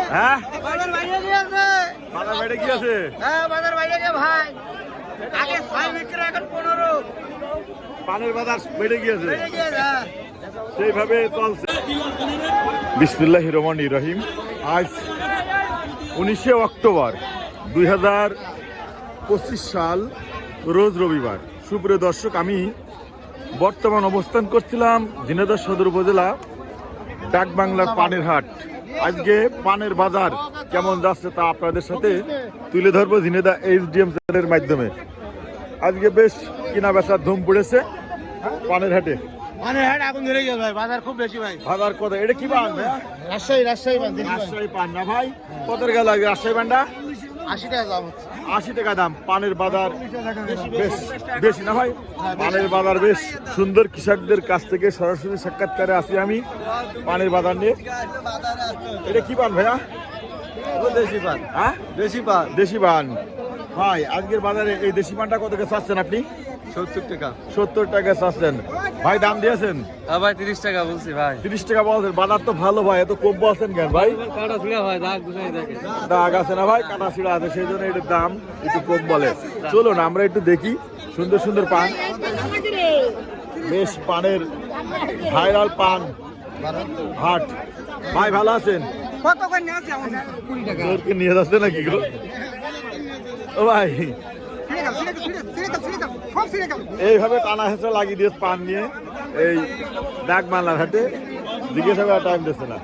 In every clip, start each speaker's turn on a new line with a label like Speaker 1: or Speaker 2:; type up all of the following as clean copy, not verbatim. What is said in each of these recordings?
Speaker 1: হ্যাঁ
Speaker 2: বাজার বাইরে গিয়েছে।
Speaker 1: বাজার বাইরে কি আছে?
Speaker 2: হ্যাঁ বাজার বাইরে গিয়ে ভাই আগে 6 বিক্রি এখন 15
Speaker 1: পানের বাজার বেড়ে গিয়েছে,
Speaker 2: বেড়ে গিয়েছে।
Speaker 1: সেইভাবে চলছে। বিসমিল্লাহির রহমানির রহিম। আজ 19শে অক্টোবর 2025 সাল, রোজ রবিবার। সুপ্রিয় দর্শক, আমি বর্তমান অবস্থান করছিলাম ঝিনাইদহ সদর উপজেলা ডাকবাংলার পানের হাট। আজকে পানের বাজার কেমন যাচ্ছে তা আপনাদের সাথে তুলে ধরবো ঝিনাইদহ HDM চ্যানেলের মাধ্যমে। আজকে বেশ কিনা বেচার ধুম পড়েছে পানের হাটে।
Speaker 2: মানে হাট আগুন ধরে গেছে ভাই, বাজার খুব বেশি ভাই।
Speaker 1: বাজার কত? এটা কি পান?
Speaker 2: রাজশাহী পান,
Speaker 1: রাজশাহী পান না ভাই? কত গেল আজকে রাজশাহী পানটা?
Speaker 2: 80 টাকা দাম হচ্ছে।
Speaker 1: 80 টাকা দাম। পানের বাজার বেশ বেশি না ভাই? পানের বাজার বেশ সুন্দর। কৃষকদের কাছ থেকে সরাসরি সাক্ষাৎকারে আসি আমি পানের বাজার নিয়ে। এটা কি পান ভাইয়া?
Speaker 2: দেশি পান।
Speaker 1: হ্যাঁ,
Speaker 2: দেশি পান
Speaker 1: দেশি পান। ভাই আজকের বাজারে এই দেশি পানটা কত করে চাচ্ছেন আপনি?
Speaker 2: 70 টাকা।
Speaker 1: 70 টাকা চাচ্ছেন ভাই। দাম দিয়েছেন?
Speaker 2: হ্যাঁ ভাই 30 টাকা বলছি ভাই।
Speaker 1: 30 টাকা বলছেন। বাজার তো ভালো ভাই, এত কম বলছেন কেন ভাই?
Speaker 2: কাটা ছিড়া ভাই, দাগ গুছাই দেখে।
Speaker 1: দাগ আছে না ভাই? কাটা ছিঁড়া আছে, সেই জন্য এটার দাম একটু কম বলে। চলুন আমরা একটু দেখি সুন্দর সুন্দর পান। বেশ পানের ভাইরাল পান হাট। ভাই ভালো আছেন?
Speaker 2: কত করে নিয়ে আসছে আমাদের? 20 টাকা।
Speaker 1: জোরকে নিয়ে যাচ্ছে নাকি গো? ও ভাই এইভাবে টানা হেঁচড়া লাগিয়ে দিয়েছে পান নিয়ে এই ডাকবাংলার হাটে। জিজ্ঞাসা করার টাইম দিচ্ছে না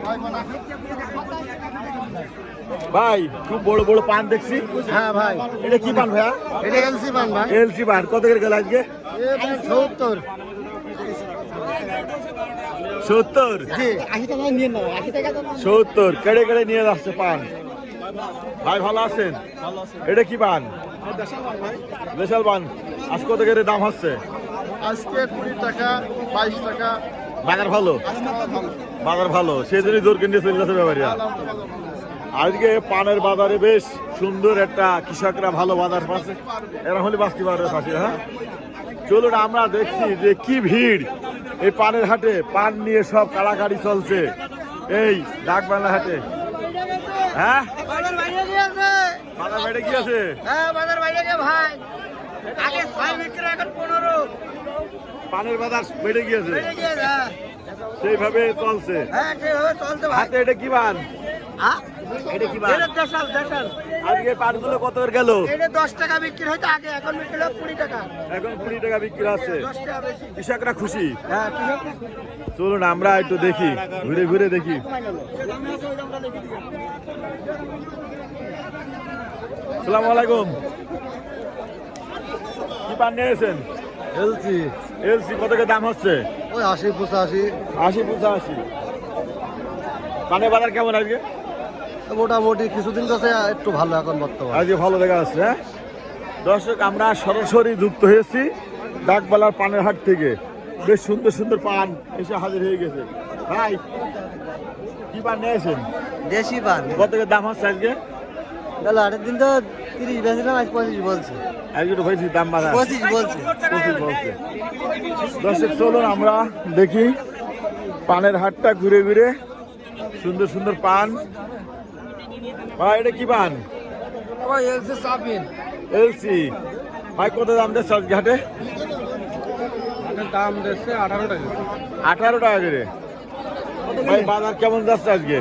Speaker 1: ভাই। খুব বড় বড় পান দেখছি।
Speaker 2: হ্যাঁ ভাই,
Speaker 1: এটা কি পান ভাইয়া?
Speaker 2: এটা এলসি পান ভাই।
Speaker 1: এলসি পান। কত করে গেল আজকে?
Speaker 2: 70।
Speaker 1: 70?
Speaker 2: জি 80 টাকা নিয়ে নাও, 80 টাকা দাম।
Speaker 1: 70 কেড়ে কেড়ে নিয়ে যাচ্ছে পান। ভাই ভালো আছেন? এটা কি পান? দেশাল পান। আজ কত করে দাম হচ্ছে?
Speaker 2: আজকে 20 টাকা, 22 টাকা।
Speaker 1: বাজার ভালো?
Speaker 2: আজকে ভালো।
Speaker 1: বাজার ভালো, সেই জন্যই জোরকে নিয়ে চলে যাচ্ছে ব্যাপারীরা। আজকে পানের বাজারে বেশ সুন্দর একটা, কৃষকরা ভালো বাজার পাচ্ছে। এরা হলে বাঁচতে পারবে পাশে। হ্যাঁ চলুন আমরা দেখছি যে কি ভিড় এই পানের হাটে। পান নিয়ে সব কাড়াকাড়ি চলছে এই ডাকবাংলা হাটে। হ্যাঁ
Speaker 2: বাজার বাইরে গিয়েছে।
Speaker 1: বাজার বেড়ে কি আছে?
Speaker 2: হ্যাঁ বাজার বাইরে গিয়ে ভাই আগে 6 বিক্রি এখন 15
Speaker 1: পানের বাজার বেড়ে গিয়েছে,
Speaker 2: বেড়ে গিয়েছে।
Speaker 1: সেইভাবে চলছে।
Speaker 2: হ্যাঁ সেভাবে চলছে ভাই।
Speaker 1: হাতে এটা কি পান?
Speaker 2: হ্যাঁ
Speaker 1: এটা কি পান?
Speaker 2: এটা দেশাল।
Speaker 1: আজকে পানগুলো কত করে গেল?
Speaker 2: এটা 10 টাকা বিক্রি হইতো আগে, এখন বিক্রি হলো 20 টাকা।
Speaker 1: এখন 20 টাকা বিক্রি আছে।
Speaker 2: 10 টাকা বেশি।
Speaker 1: কৃষকরা খুশি।
Speaker 2: হ্যাঁ ঠিক আছে।
Speaker 1: চলুন আমরা একটু দেখি, ঘুরে ঘুরে দেখি। আসসালামু আলাইকুম। কি পান নিয়েছেন?
Speaker 2: এলসি
Speaker 1: এলসি কত করে দাম হচ্ছে?
Speaker 2: ওই 80 85।
Speaker 1: 80 85। পানের বাজার কেমন আজকে?
Speaker 2: মোটামুটি কিছুদিন কাছে একটু ভালো এখন বর্তমানে।
Speaker 1: আজকে ভালো দেখা যাচ্ছে। হ্যাঁ দর্শক, আমরা সরাসরি যুক্ত হয়েছি ডাকবাংলার পানের হাট থেকে। বেশ সুন্দর সুন্দর পান এসে হাজির হয়ে গেছে। ভাই কি পান নিয়েছেন?
Speaker 2: দেশি পান।
Speaker 1: কত করে দাম হচ্ছে আজকে?
Speaker 2: গেল আরেক দিন তো 30 বেচলাম, আজ 25 বলছে।
Speaker 1: আজকে তো হয়েছি দাম বাড়া
Speaker 2: 25 বলছে।
Speaker 1: 25 বলছে। দর্শক চলুন আমরা দেখি পানের হাটটা ঘুরে ঘুরে। সুন্দর সুন্দর পান। ভাই এটা কি পান?
Speaker 2: ওই এলসি সাবিন।
Speaker 1: এলসি। ভাই কত দাম দিচ্ছে আজকে হাটে?
Speaker 2: দাম দিচ্ছে 18 টাকা।
Speaker 1: 18 টাকা করে। ভাই বাজার কেমন যাচ্ছে আজকে?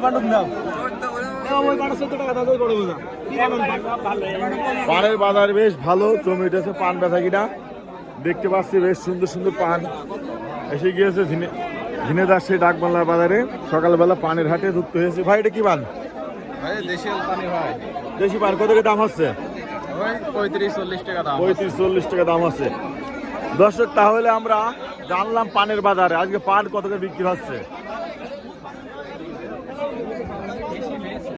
Speaker 1: পানের বাজার বেশ ভালো জমে উঠেছে পান বেচা কিনা। দেখতে পাচ্ছি বেশ সুন্দর সুন্দর পান এসে গিয়েছে ঝিনাইদহ সেই ডাকবাংলার বাজারে। সকালবেলা পানের হাটে যুক্ত হয়েছে। ভাই এটা কি পান?
Speaker 2: ভাই দেশি পানি ভাই।
Speaker 1: দেশি পান কত করে দাম হচ্ছে?
Speaker 2: ওই 35 40 টাকা দাম।
Speaker 1: 35 40 টাকা দাম আছে। দর্শক তাহলে আমরা জানলাম পানের বাজারে আজকে পান কত করে বিক্রি হচ্ছে।